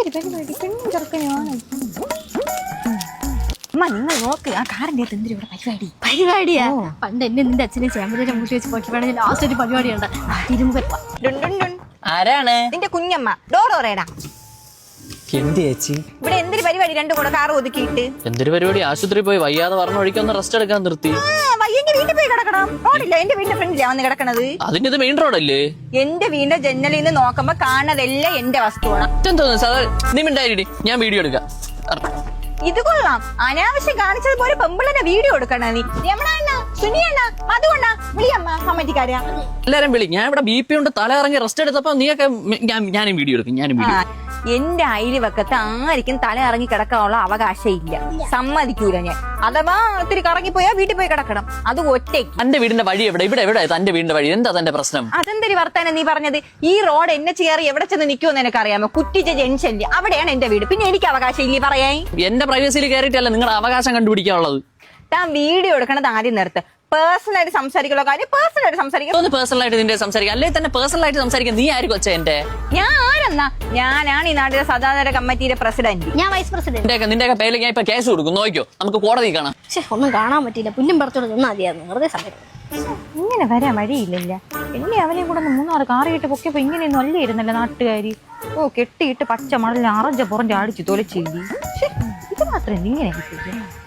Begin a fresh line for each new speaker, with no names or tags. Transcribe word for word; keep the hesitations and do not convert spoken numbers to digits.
എന്തൊരു പരിപാടി പെണ്ണും ചെറുക്കനുമാണ്. അമ്മ നിങ്ങൾ നോക്ക് ആ കാറിന്റെ അകത്ത് എന്തൊരു ഇവിടെ പരിപാടി
പരിപാടിയാ പണ്ട് എന്നെ നിന്റെ അച്ഛനെ ചേമ്പതിനെ മുട്ടി വെച്ച് പൊട്ടിപ്പാടെ ലാസ്റ്റ് ഒരു പരിപാടിയുണ്ട് ഇരുമ്പ
ആരാണ്
നിന്റെ കുഞ്ഞമ്മ ഡോറോറേടാ
എന്ത് ചേച്ചി
ഇവിടെ എന്തൊരു പരിപാടി രണ്ടും കൂടെ കാർ ഒതുക്കിയിട്ട്
എന്തൊരു പരിപാടി ആശുപത്രി പോയി വയ്യാതെ പറഞ്ഞ വഴിക്കൊന്ന് റെസ്റ്റ് എടുക്കാൻ നിർത്തി
വയ്യെങ്കിൽ വീട്ടിൽ പോയി കിടക്കണം. റോഡില്ല എന്റെ വീടിന്റെ ഫ്രണ്ടിലാ വന്ന് കിടക്കണത്.
അതിന്റെ ഇത് മെയിൻ റോഡല്ലേ?
എന്റെ വീടിന്റെ ജനലിൽ നിന്ന് നോക്കുമ്പോ കാണുന്നതെല്ലാം എന്റെ വസ്തുവാണ്.
തോന്നുന്നു സാർ നീ മിണ്ടായിരി ഞാൻ വീഡിയോ എടുക്കാം.
ഇത് കൊള്ളാം. അനാവശ്യം കാണിച്ചത് പോലെ പെമ്പിളിന്റെ വീഡിയോ എടുക്കണ നീ രമണ സുനിയണ്ണ അതുകൊണ്ടാ വിളിയമ്മ കമ്മറ്റിക്കാരാ
എല്ലാരും വിളി. ഞാൻ ഇവിടെ ബി പി കൊണ്ട് തല ഇറങ്ങി റെസ്റ്റ് എടുത്തപ്പോ നീയൊക്കെ ഞാനും വീഡിയോ എടുക്കും. ഞാനും വീഡിയോ
എന്റെ അയൽവക്കത്ത് ആർക്കും തല ഇറങ്ങി കിടക്കാനുള്ള അവകാശം ഇല്ല. സമ്മതിക്കൂല ഞാൻ. അഥവാ ഒത്തിരി കറങ്ങിപ്പോയാ വീട്ടിൽ പോയി കിടക്കണം. അത് ഒറ്റയ്ക്ക്.
എന്റെ വീടിന്റെ വഴി എവിടെ? ഇവിടെ എവിടെ തന്റെ വീടിന്റെ വഴി? എന്താ തന്റെ പ്രശ്നം?
അതെന്തൊരു വർത്താനം നീ പറഞ്ഞത്? ഈ റോഡ് എന്നെ ചേറി എവിടെ ചെന്ന് നിൽക്കുമെന്ന് എനിക്ക് അറിയാമോ? കുറ്റിച്ച ജംഗ്ഷനില് അവിടെയാണ് എന്റെ വീട്. പിന്നെ എനിക്ക് അവകാശം ഇല്ലേ പറയാൻ?
എന്റെ പ്രൈവസിയിൽ കയറിയിട്ടല്ല നിങ്ങളുടെ അവകാശം കണ്ടുപിടിക്കാനുള്ളത്.
താൻ വീഡിയോ എടുക്കണത് ആദ്യം നിർത്ത്. പേഴ്സണൽ ആയിട്ട് സംസാരിക്കുന്ന കാര്യം പേഴ്സണൽ ആയിട്ട് സംസാരിക്കാം.
ഒന്ന് പേഴ്സണൽ ആയിട്ട് നിന്റെ സംസാരിക്കാം. അല്ലെ തന്നെ പേഴ്സണൽ ആയിട്ട് സംസാരിക്കാൻ നീ ആര് കൊച്ച? എന്റെ
ഞാൻ ആരെന്നാ? ഞാനാണ് ഈ നാട്ടിലെ സദാചാര കമ്മിറ്റിയുടെ പ്രസിഡന്റ്.
ഞാൻ വൈസ് പ്രസിഡന്റ്.
നിന്റെ പേരിൽ ഞാൻ ഇപ്പൊ കേസ് കൊടുക്കും. നോക്കിയോ, നമുക്ക് കോടതി കാണാം.
പക്ഷെ ഒന്നും കാണാൻ പറ്റില്ല. പുല്ലും പുറത്തോട് നിന്നാ മതിയായിരുന്നു. വെറുതെ സമയം
ഇങ്ങനെ വരാൻ വഴിയില്ലല്ല. എന്നെ അവനെയും കൂടെ മൂന്നാറ് കാറിയിട്ട് പൊക്കിയപ്പോ ഇങ്ങനെയൊന്നും അല്ലായിരുന്നല്ലോ നാട്ടുകാരി. ഓ കെട്ടിയിട്ട് പച്ച മണലിൽ അറഞ്ച പുറഞ്ച അടിച്ചു തൊലച്ചില്ലേ. ഇത് മാത്രം ഇങ്ങനെ